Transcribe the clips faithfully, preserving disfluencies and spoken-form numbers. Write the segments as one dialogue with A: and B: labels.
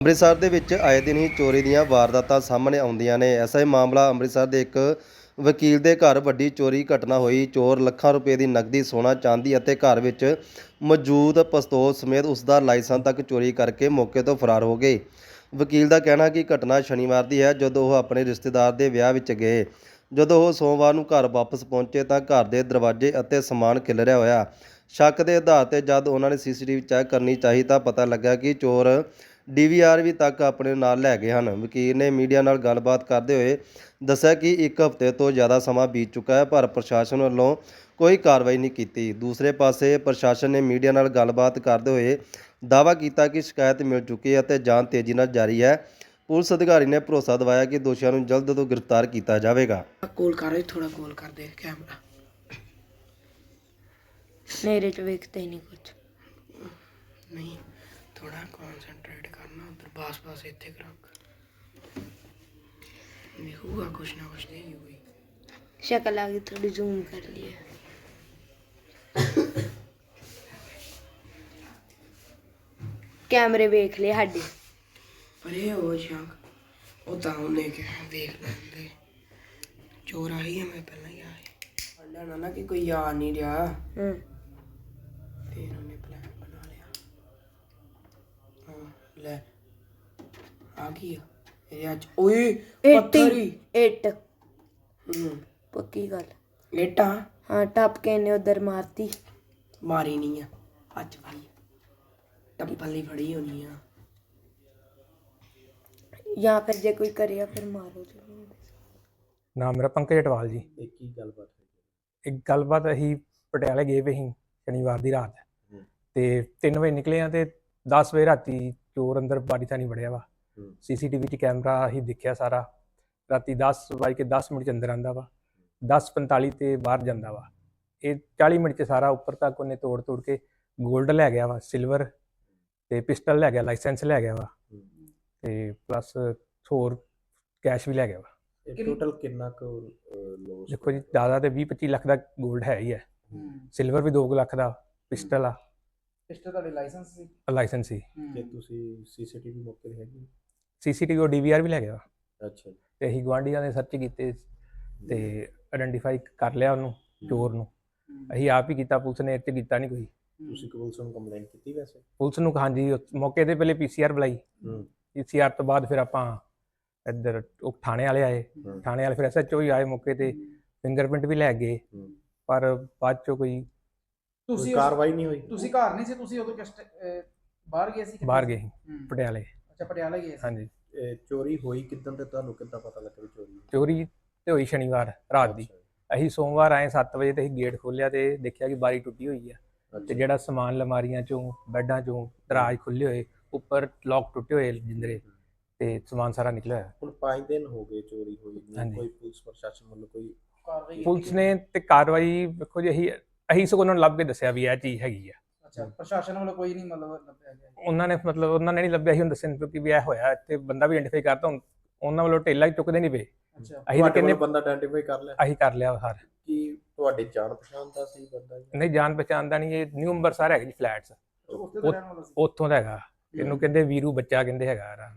A: ਅੰਮ੍ਰਿਤਸਰ ਦੇ ਵਿੱਚ ਆਏ ਦਿਨ ਹੀ ਚੋਰੀ ਦੀਆਂ ਵਾਰਦਾਤਾਂ ਸਾਹਮਣੇ ਆਉਂਦੀਆਂ ਨੇ। ਐਸਾ ਹੀ ਮਾਮਲਾ ਅੰਮ੍ਰਿਤਸਰ ਦੇ ਇੱਕ ਵਕੀਲ ਦੇ ਘਰ ਵੱਡੀ ਚੋਰੀ ਘਟਨਾ ਹੋਈ। ਚੋਰ ਲੱਖਾਂ ਰੁਪਏ ਦੀ ਨਕਦੀ, ਸੋਨਾ, ਚਾਂਦੀ ਅਤੇ ਘਰ ਵਿੱਚ ਮੌਜੂਦ ਪਿਸਤੌਲ ਸਮੇਤ ਉਸ ਦਾ ਲਾਇਸੈਂਸ ਤੱਕ ਚੋਰੀ ਕਰਕੇ ਮੌਕੇ ਤੋਂ ਫਰਾਰ ਹੋ ਗਏ। ਵਕੀਲ ਦਾ ਕਹਿਣਾ ਕਿ ਘਟਨਾ ਸ਼ਨੀਵਾਰ ਦੀ ਹੈ, ਜਦੋਂ ਉਹ ਆਪਣੇ ਰਿਸ਼ਤੇਦਾਰ ਦੇ ਵਿਆਹ ਵਿੱਚ ਗਏ। ਜਦੋਂ ਉਹ ਸੋਮਵਾਰ ਨੂੰ ਘਰ ਵਾਪਸ ਪਹੁੰਚੇ ਤਾਂ ਘਰ ਦੇ ਦਰਵਾਜ਼ੇ ਅਤੇ ਸਮਾਨ ਖਿਲਰਿਆ ਹੋਇਆ। ਸ਼ੱਕ ਦੇ ਆਧਾਰ 'ਤੇ ਜਦ ਉਹਨਾਂ ਨੇ ਸੀਸੀਟੀਵੀ ਚੈੱਕ ਕਰਨੀ ਚਾਹੀ ਤਾਂ ਪਤਾ ਲੱਗਾ ਕਿ ਚੋਰ ਡੀ ਵੀ ਆਰ ਵੀ ਤੱਕ ਆਪਣੇ ਨਾਲ ਲੈ ਗਏ ਹਨ। ਵਕੀਲ ਨੇ ਮੀਡੀਆ ਨਾਲ ਗੱਲਬਾਤ ਕਰਦੇ ਹੋਏ ਦੱਸਿਆ ਕਿ ਇੱਕ ਹਫ਼ਤੇ ਤੋਂ ਜ਼ਿਆਦਾ ਸਮਾਂ ਬੀਤ ਚੁੱਕਾ ਹੈ, ਪਰ ਪ੍ਰਸ਼ਾਸਨ ਵੱਲੋਂ ਕੋਈ ਕਾਰਵਾਈ ਨਹੀਂ ਕੀਤੀ। ਦੂਸਰੇ ਪਾਸੇ ਪ੍ਰਸ਼ਾਸਨ ਨੇ ਮੀਡੀਆ ਨਾਲ ਗੱਲਬਾਤ ਕਰਦੇ ਹੋਏ ਦਾਅਵਾ ਕੀਤਾ ਕਿ ਸ਼ਿਕਾਇਤ ਮਿਲ ਚੁੱਕੀ ਹੈ ਅਤੇ ਜਾਂਚ ਤੇਜ਼ੀ ਨਾਲ ਜਾਰੀ ਹੈ। ਪੁਲਿਸ ਅਧਿਕਾਰੀ ਨੇ ਭਰੋਸਾ ਦਿਵਾਇਆ ਕਿ ਦੋਸ਼ੀਆਂ ਨੂੰ ਜਲਦ ਤੋਂ ਗ੍ਰਿਫਤਾਰ ਕੀਤਾ ਜਾਵੇਗਾ।
B: ਕੋਲ ਕਰ ਰਹੀ ਥੋੜਾ ਕੋਲ ਕਰ ਦੇ ਕੈਮਰਾ
C: मेरे च वेखते ही नहीं कुछ
B: नहीं थोड़ा कॉन्सेंट्रेट करना उधर पास पास इतने रख दिखूगा कुछ ना कुछ नहीं हुई
C: शक्ल आ गई थोड़ी जूम कर लिए कैमरे वेख ले साडे
B: पर ये हो शक वो तो उन्हें क्या देख लेंगे चोर आई है मैं पहले ही आई ना ना कि कोई याद नहीं रहा
C: हम्म
B: फिर उन्हें प्लान बना लिया हाँ ले आ गया ये आज ओए पत्थर ही
C: एट
B: हम्म
C: पक्की गल
B: लेटा
C: हाँ टप के ने उधर मारती
B: मारी नहीं है आज भाई टप्पल ही फड़ी होनी है
C: या फिर जे कोई करेगा फिर मारो जरूर।
D: ਨਾਮ ਮੇਰਾ ਪੰਕਜ ਅਟਵਾਲ ਜੀ।
A: ਇਹ ਕੀ ਗੱਲਬਾਤ ਹੈ?
D: ਇੱਕ ਗੱਲਬਾਤ ਅਸੀਂ ਪਟਿਆਲੇ ਗਏ ਵੇ ਸੀ ਸ਼ਨੀਵਾਰ ਦੀ ਰਾਤ ਤੇ ਤਿੰਨ ਵਜੇ ਨਿਕਲੇ ਆ ਤੇ ਦਸ ਵਜੇ ਰਾਤੀ ਚੋਰ ਅੰਦਰ ਬਾਰੀ ਥਾਣੀ ਵੜਿਆ ਵਾ। ਸੀਸੀਟੀਵੀ 'ਚ ਕੈਮਰਾ ਅਸੀਂ ਦੇਖਿਆ ਸਾਰਾ। ਰਾਤੀ ਦਸ ਵੱਜ ਕੇ ਦਸ ਮਿੰਟ 'ਚ ਅੰਦਰ ਆਉਂਦਾ ਵਾ, ਦਸ ਪੰਤਾਲੀ ਤੇ ਬਾਹਰ ਜਾਂਦਾ ਵਾ। ਇਹ ਚਾਲੀ ਮਿੰਟ 'ਚ ਸਾਰਾ ਉੱਪਰ ਤੱਕ ਉਹਨੇ ਤੋੜ ਤੋੜ ਕੇ ਗੋਲਡ ਲੈ ਗਿਆ ਵਾ, ਸਿਲਵਰ ਤੇ ਪਿਸਟਲ ਲੈ ਗਿਆ, ਲਾਇਸੈਂਸ ਲੈ ਗਿਆ ਵਾ ਤੇ ਪਲੱਸ ਹੋਰ ਕੈਸ਼ ਵੀ ਲੈ ਗਿਆ ਵਾ।
A: ਟੋਟਲ ਕਿੰਨਾ ਕੁ ਲੋਸ?
D: ਦੇਖੋ ਜੀ ਜ਼ਿਆਦਾ ਤੇ ਵੀਹ ਪੱਚੀ ਲੱਖ ਦਾ ਗੋਲਡ ਹੈ ਹੀ ਹੈ, ਸਿਲਵਰ ਵੀ ਦੋ ਕੁ ਲੱਖ ਦਾ, ਪਿਸਟਲ ਆ,
B: ਪਿਸਟਲ ਤੁਹਾਡੇ ਲਾਇਸੈਂਸ ਸੀ
D: ਲਾਇਸੈਂਸ ਸੀ।
A: ਕਿ ਤੁਸੀਂ ਸੀਸੀਟੀਵੀ ਮੌਕੇ ਤੇ ਹੈਗੀ?
D: ਸੀਸੀਟੀਵੀ ਉਹ ਡੀ ਵੀ ਆਰ ਵੀ ਲੈ ਗਿਆ
A: ਅੱਛਾ।
D: ਤੇ ਅਸੀਂ ਗੁਆਂਢੀਆਂ ਦੇ ਸਰਚ ਕੀਤੇ ਤੇ ਆਇਡੈਂਟੀਫਾਈ ਕਰ ਲਿਆ ਉਹਨੂੰ, ਚੋਰ ਨੂੰ। ਅਸੀਂ ਆਪ ਹੀ ਕੀਤਾ, ਪੁਲਿਸ ਨੇ ਇਹ 'ਚ ਕੀਤਾ ਨਹੀਂ ਕੋਈ।
A: ਤੁਸੀਂ ਪੁਲਿਸ ਨੂੰ ਕੰਪਲੇਂਟ ਕੀਤੀ ਵੈਸੇ?
D: ਪੁਲਿਸ ਨੂੰ ਹਾਂਜੀ ਮੌਕੇ ਤੇ ਪਹਿਲੇ ਪੀ ਸੀ ਆਰ ਬੁਲਾਈ, ਪੀ ਸੀ ਆਰ ਤੋਂ ਬਾਅਦ ਫਿਰ ਆਪਾਂ ਇੱਧਰ ਉਹ ਥਾਣੇ ਵਾਲੇ ਆਏ, ਥਾਣੇ ਵਾਲੇ ਫਿਰ ਐਸ ਐਚ ਓ ਹੀ ਆਏ ਮੌਕੇ ਤੇ, ਫਿੰਗਰਪ੍ਰਿੰਟ ਵੀ ਲੈ ਗਏ, ਪਰ ਬਾਅਦ ਚੋਂ ਕੋਈ
A: ਤੁਸੀਂ ਕਾਰਵਾਈ ਨਹੀਂ ਹੋਈ?
B: ਤੁਸੀਂ ਘਰ ਨਹੀਂ ਸੀ, ਤੁਸੀਂ ਉਦੋਂ ਕਿਸ ਬਾਹਰ ਗਏ ਸੀ?
D: ਬਾਹਰ ਗਏ ਪਟਿਆਲੇ।
B: ਅੱਛਾ ਪਟਿਆਲਾ ਗਏ ਸੀ।
D: ਹਾਂਜੀ।
A: ਚੋਰੀ ਹੋਈ ਕਿਦਾਂ ਤੇ ਤੁਹਾਨੂੰ ਕਿੱਦਾਂ ਪਤਾ ਲੱਗਾ ਵੀ ਚੋਰੀ?
D: ਚੋਰੀ ਤੇ ਹੋਈ ਸ਼ਨੀਵਾਰ ਰਾਤ ਦੀ। ਅਸੀਂ ਸੋਮਵਾਰ ਆਏ ਸੱਤ ਵਜੇ ਤੇ ਅਸੀਂ ਗੇਟ ਖੋਲ੍ਹਿਆ ਤੇ ਦੇਖਿਆ ਕਿ ਬਾਰੀ ਟੁੱਟੀ ਹੋਈ ਆ ਤੇ ਜਿਹੜਾ ਸਮਾਨ ਲਮਾਰੀਆਂ ਚੋਂ, ਬੈੱਡਾਂ ਚੋਂ, ਦਰਾਜ ਖੁੱਲੇ ਹੋਏ, ਉੱਪਰ ਲੋਕ ਟੁੱਟੇ ਹੋਏ ਜਿੰਦਰੇ ਤੇ ਸਮਾਨ ਸਾਰਾ ਨਿਕਲਿਆ ਹੋਇਆ।
A: ਹੁਣ ਪੰਜ ਦਿਨ ਹੋ ਗਏ ਚੋਰੀ ਹੋਈ ਨੂੰ,
D: ਹਾਂਜੀ।
A: ਕੋਈ ਪੁਲਿਸ ਪ੍ਰਸ਼ਾਸਨ ਵੱਲੋਂ ਕੋਈ
B: ਕਾਰਵਾਈ?
D: ਪੁਲਿਸ ਨੇ ਤੇ ਕਾਰਵਾਈ ਵੇਖੋ ਜੀ ਅਸੀਂ ਅਸੀਂ ਸਗੋਂ ਉਹਨਾਂ ਨੂੰ ਲੱਭ ਕੇ ਦੱਸਿਆ ਵੀ ਇਹ ਚੀਜ਼ ਹੈਗੀ ਆ।
B: ਅੱਛਾ ਪ੍ਰਸ਼ਾਸਨ ਵੱਲੋਂ ਕੋਈ ਨਹੀਂ ਮਤਲਬ ਲੱਭਿਆ ਗਿਆ?
D: ਉਹਨਾਂ ਨੇ ਮਤਲਬ ਉਹਨਾਂ ਨੇ ਨਹੀਂ ਲੱਭਿਆ ਸੀ, ਹੁਣ ਦੱਸਣ ਕਿਉਂਕਿ ਵੀ ਇਹ ਹੋਇਆ ਇੱਥੇ ਬੰਦਾ ਵੀ ਆਇਡੈਂਟੀਫਾਈ ਕਰਤਾ। ਹੁਣ ਉਹਨਾਂ ਵੱਲੋਂ ਢੇਲਾ ਹੀ ਚੁੱਕਦੇ ਨਹੀਂ ਪਏ।
B: ਅੱਛਾ
D: ਅਸੀਂ ਤਾਂ ਕਹਿੰਦੇ
A: ਬੰਦਾ ਆਇਡੈਂਟੀਫਾਈ ਕਰ ਲਿਆ?
D: ਅਸੀਂ ਕਰ ਲਿਆ ਹਰ।
A: ਕੀ ਤੁਹਾਡੇ ਜਾਣ ਪਛਾਣ ਦਾ ਸੀ ਬੰਦਾ?
D: ਨਹੀਂ ਜਾਣ ਪਛਾਣ ਦਾ ਨਹੀਂ, ਇਹ ਨਿਊ ਅੰਬਰਸਰ ਹੈਗਾ ਜੀ ਫਲੈਟਸ,
B: ਉੱਥੇ ਤਾਂ ਰਹਿਣ ਵਾਲਾ ਸੀ।
D: ਉੱਥੋਂ ਦਾ ਹੈਗਾ। ਇਹਨੂੰ ਕਹਿੰਦੇ ਵੀਰੂ ਬੱਚਾ ਕਹਿੰਦੇ ਹੈਗਾ।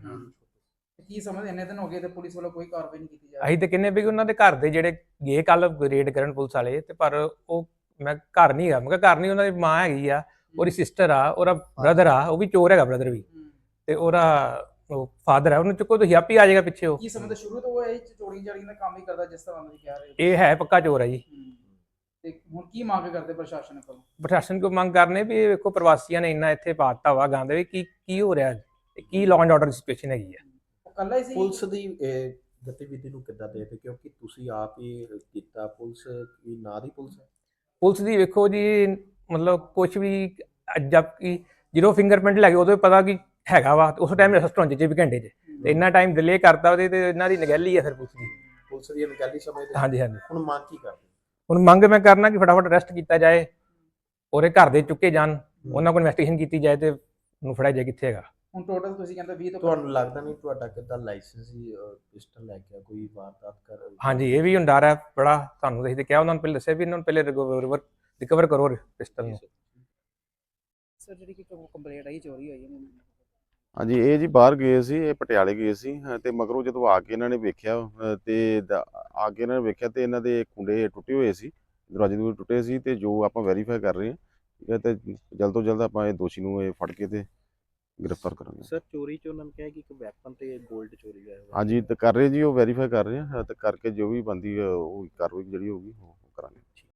B: ਕੀ ਸਮਝ ਇੰਨੇ ਦਿਨ ਹੋ ਗਏ ਤੇ ਪੁਲਿਸ ਵੱਲੋਂ ਕੋਈ ਕਾਰਵਾਈ ਨਹੀਂ ਕੀਤੀ ਜਾ ਰਹੀ?
D: ਅਸੀਂ ਤੇ ਕਹਿੰਦੇ ਵੀ ਉਹਨਾਂ ਦੇ ਘਰ ਦੇ ਜਿਹੜੇ ਗਏ ਕੱਲ ਰੇਡ ਕਰਨ ਪੁਲਿਸ ਵਾਲੇ ਤੇ, ਪਰ ਉਹ ਮੈਂ ਘਰ ਨਹੀਂ ਹੈਗਾ। ਮੈਂ ਕਿਹਾ ਘਰ ਨਹੀਂ, ਉਹਨਾਂ ਦੀ ਮਾਂ ਹੈਗੀ ਆ, ਉਹਦੀ ਸਿਸਟਰ ਆ, ਉਹਦਾ ਬ੍ਰਦਰ ਆ, ਉਹ ਵੀ ਚੋਰ ਹੈਗਾ ਬ੍ਰਦਰ ਵੀ, ਤੇ ਉਹਦਾ ਉਹ ਫਾਦਰ ਹੈ। ਉਹਨੂੰ ਚੁੱਕੋ ਤੁਸੀਂ, ਆਪੇ ਆ ਜਾਏਗਾ ਪਿੱਛੇ। ਉਹ
B: ਕੀ ਸਮਝਦੇ ਸ਼ੁਰੂ ਤੋਂ ਉਹ ਇਹ ਚੋਰੀ ਚਾਰੀ ਦਾ ਕੰਮ ਹੀ ਕਰਦਾ ਜਿਸ ਤਰ੍ਹਾਂ ਤੁਸੀਂ ਕਹਿ ਰਹੇ ਹੋ?
D: ਇਹ ਹੈ ਪੱਕਾ ਚੋਰ ਹੈ ਜੀ।
B: ਤੇ ਹੁਣ ਕੀ ਮੰਗ ਕਰਦੇ ਪ੍ਰਸ਼ਾਸਨ ਕੋਲੋਂ?
D: ਪ੍ਰਸ਼ਾਸਨ ਕੋਲ ਮੰਗ ਕਰਨੇ ਵੀ ਇਹ ਵੇਖੋ ਪ੍ਰਵਾਸੀਆਂ ਨੇ ਇੰਨਾ ਇੱਥੇ ਪਾਤਾ ਵਾ ਗੰਦ, ਵੀ ਕੀ ਕੀ ਹੋ ਰਿਹਾ, ਕੀ ਲਾਅ ਐਂਡ ਆਰਡਰ ਦੀ ਸਿਚੁਏਸ਼ਨ ਹੈਗੀ ਆ।
B: ਉਹ ਕੱਲਾ ਹੀ ਸੀ?
A: ਪੁਲਿਸ ਦੀ ਗਤੀਵਿਧੀ ਨੂੰ ਕਿੱਦਾਂ ਦੇਖਦੇ, ਕਿਉਂਕਿ ਤੁਸੀਂ ਆਪ ਹੀ ਕੀਤਾ, ਪੁਲਿਸ ਕੀ ਨਾਂ ਦੀ ਪੁਲਿਸ ਹੈ?
D: ਪੁਲਿਸ ਦੀ ਵੇਖੋ ਜੀ ਮਤਲਬ ਕੁਛ ਵੀ, ਜਦ ਕਿ ਜਦੋਂ ਫਿੰਗਰਪ੍ਰਿੰਟ ਲੱਗੇ ਉਦੋਂ ਪਤਾ ਕਿ ਹੈਗਾ ਵਾ, ਉਸ ਟਾਈਮ ਅਰੈਸਟ ਹੋਣ 'ਚ ਵੀ ਘੰਟੇ 'ਚ, ਤੇ ਇੰਨਾ ਟਾਈਮ ਡਿਲੇ ਕਰਤਾ ਉਹਦੇ ਤੇ ਇਹਨਾਂ ਦੀ ਨਗਹਿਲੀ ਆ ਫਿਰ ਪੁਲਿਸ ਦੀ।
A: ਪੁਲਿਸ ਦੀ ਅਣਗਹਿਲੀ ਸਮਝਦੇ?
D: ਹਾਂਜੀ ਹਾਂਜੀ।
A: ਹੁਣ ਮੰਗ ਕੀ ਕਰਦੇ?
D: ਹੁਣ ਮੰਗ ਮੈਂ ਕਰਨਾ ਕਿ ਫਟਾਫਟ ਅਰੈਸਟ ਕੀਤਾ ਜਾਏ, ਉਹਦੇ ਘਰ ਦੇ ਚੁੱਕੇ ਜਾਣ, ਉਹਨਾਂ ਕੋਲ ਇਨਵੈਸਟੀਗੇਸ਼ਨ ਕੀਤੀ ਜਾਏ ਤੇ ਉਹਨੂੰ ਫੜਿਆ ਜਾਏ ਕਿੱਥੇ ਹੈਗਾ।
B: ਹੁਣ ਟੋਟਲ ਤੁਸੀਂ ਕਹਿੰਦੇ ਵੀਹ ਤੋਂ
A: ਤੁਹਾਨੂੰ ਲੱਗਦਾ ਨਹੀਂ ਤੁਹਾਡਾ ਕਿੱਦਾਂ ਲਾਇਸੈਂਸ ਹੀ ਪਿਸਟਲ ਲੈ ਕੇ ਕੋਈ ਵਾਰਦਾਤ ਕਰ?
D: ਹਾਂਜੀ ਇਹ ਵੀ ਹੁਣ ਡਰ ਹੈ ਬੜਾ। ਤੁਹਾਨੂੰ ਅਸੀਂ ਤੇ ਕਿਹਾ, ਉਹਨਾਂ ਨੂੰ ਪਹਿਲੇ ਦੱਸਿਆ ਵੀ ਇਹਨਾਂ ਨੂੰ ਪਹਿਲੇ ਰਿਕਵਰ ਕਰੋ ਪਿਸਟਲ ਨੂੰ।
B: ਸਰ ਜਿਹੜੀ ਕਿ ਕੰਪਲੇਂਟ ਆਈ ਚੋਰੀ ਹੋਈ ਹੈ
E: ਹਾਂਜੀ, ਇਹ ਜੀ ਬਾਹਰ ਗਏ ਸੀ, ਇਹ ਪਟਿਆਲੇ ਗਏ ਸੀ ਹਾਂ, ਤੇ ਮਗਰੋਂ ਜਦੋਂ ਆ ਕੇ ਇਹਨਾਂ ਨੇ ਵੇਖਿਆ ਅ, ਤੇ ਦ- ਆ ਕੇ ਇਹਨਾਂ ਨੇ ਵੇਖਿਆ ਤੇ ਇਹਨਾਂ ਦੇ ਕੁੰਡੇ ਟੁੱਟੇ ਹੋਏ ਸੀ, ਦਰਵਾਜ਼ੇ ਦਰਵਾਜ਼ੇ ਟੁੱਟੇ ਸੀ, ਤੇ ਜੋ ਆਪਾਂ ਵੈਰੀਫਾਈ ਕਰ ਰਹੇ ਹਾਂ ਠੀਕ ਹੈ, ਤੇ ਜਲਦ ਤੋਂ ਜਲਦ ਆਪਾਂ ਇਹ ਦੋਸ਼ੀ ਨੂੰ ਇਹ ਫੜ ਕੇ ਤੇ ਗ੍ਰਿਫਤਾਰ ਕਰਾਂਗੇ।
F: ਸਰ ਚੋਰੀ ਚ ਉਹਨਾਂ ਨੇ ਕਿਹਾ ਕਿ ਇੱਕ ਵੈਪਨ ਤੇ 골ਡ ਚੋਰੀ ਹੋਇਆ ਹੋਇਆ।
E: ਹਾਂਜੀ, ਤੇ ਕਰ ਰਹੇ ਜੀ, ਉਹ ਵੈਰੀਫਾਈ ਕਰ ਰਹੇ ਆ ਤੇ ਕਰਕੇ ਜੋ ਵੀ ਬੰਦੀ ਉਹ ਕਾਰਵਾਈ ਜਿਹੜੀ ਹੋਊਗੀ ਉਹ